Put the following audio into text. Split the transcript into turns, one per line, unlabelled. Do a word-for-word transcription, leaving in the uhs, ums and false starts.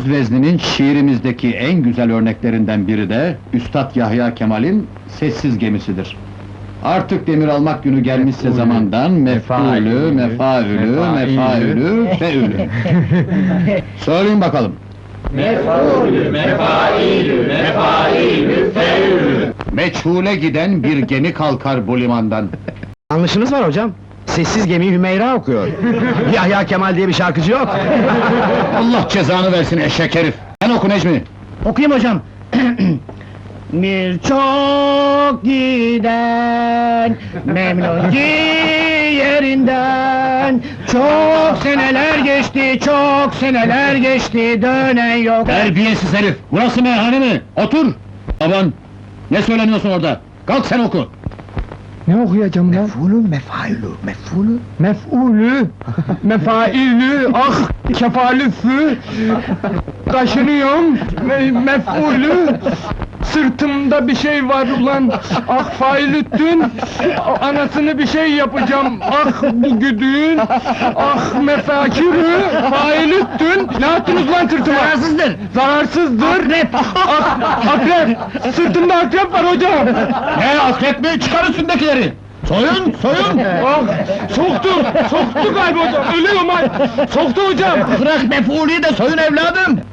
Söz vezninin şiirimizdeki en güzel örneklerinden biri de Üstad Yahya Kemal'in Sessiz Gemisidir. Artık demir almak günü gelmişse
Mef'ulü,
zamandan mef'ulü,
mefailü,
mefaülü,
mefailü.
mefaülü, feülü. Söyleyin bakalım.
Mef'ulü, mefailü, mefailü, feülü.
Meçhule giden bir gemi kalkar bu limandan.
Yanlışınız var hocam. Sessiz Gemi Hümeyra okuyor. Yahya Kemal diye bir şarkıcı yok.
Allah cezanı versin eşek herif! Sen oku Necmi!
Okuyayım hocam. Bir çok giden memnun ki yerinden. Çok seneler geçti, çok seneler geçti, dönen yok.
Terbiyesiz herif! Burası meyhane mi? Otur! Aman! Ne söyleniyorsun orada? Kalk sen oku!
Ne okuyacağım lan?
Mef'ulü, mefailü, mef'ulü.
Mef'ulü, mefailü, ah kefalüfü, taşınıyorum, me mef'ulü, sırtımda bir şey var ulan, ah failüttün, anasını bir şey yapacağım, ah bu güdüğün, ah mefakirü, failüttün, ne yaptınız lan sırtıma? Zararsızdır! Zararsızdır! Akrep! Ak akrep! Sırtımda akrep var hocam!
Ne akrep mi? Çıkar üstündekileri! Soyun, soyun!
Ah! Soktu! Soktu galiba hocam! Ölüyorum ay! Soktu hocam!
Bırak mef'ulüyü de soyun evladım!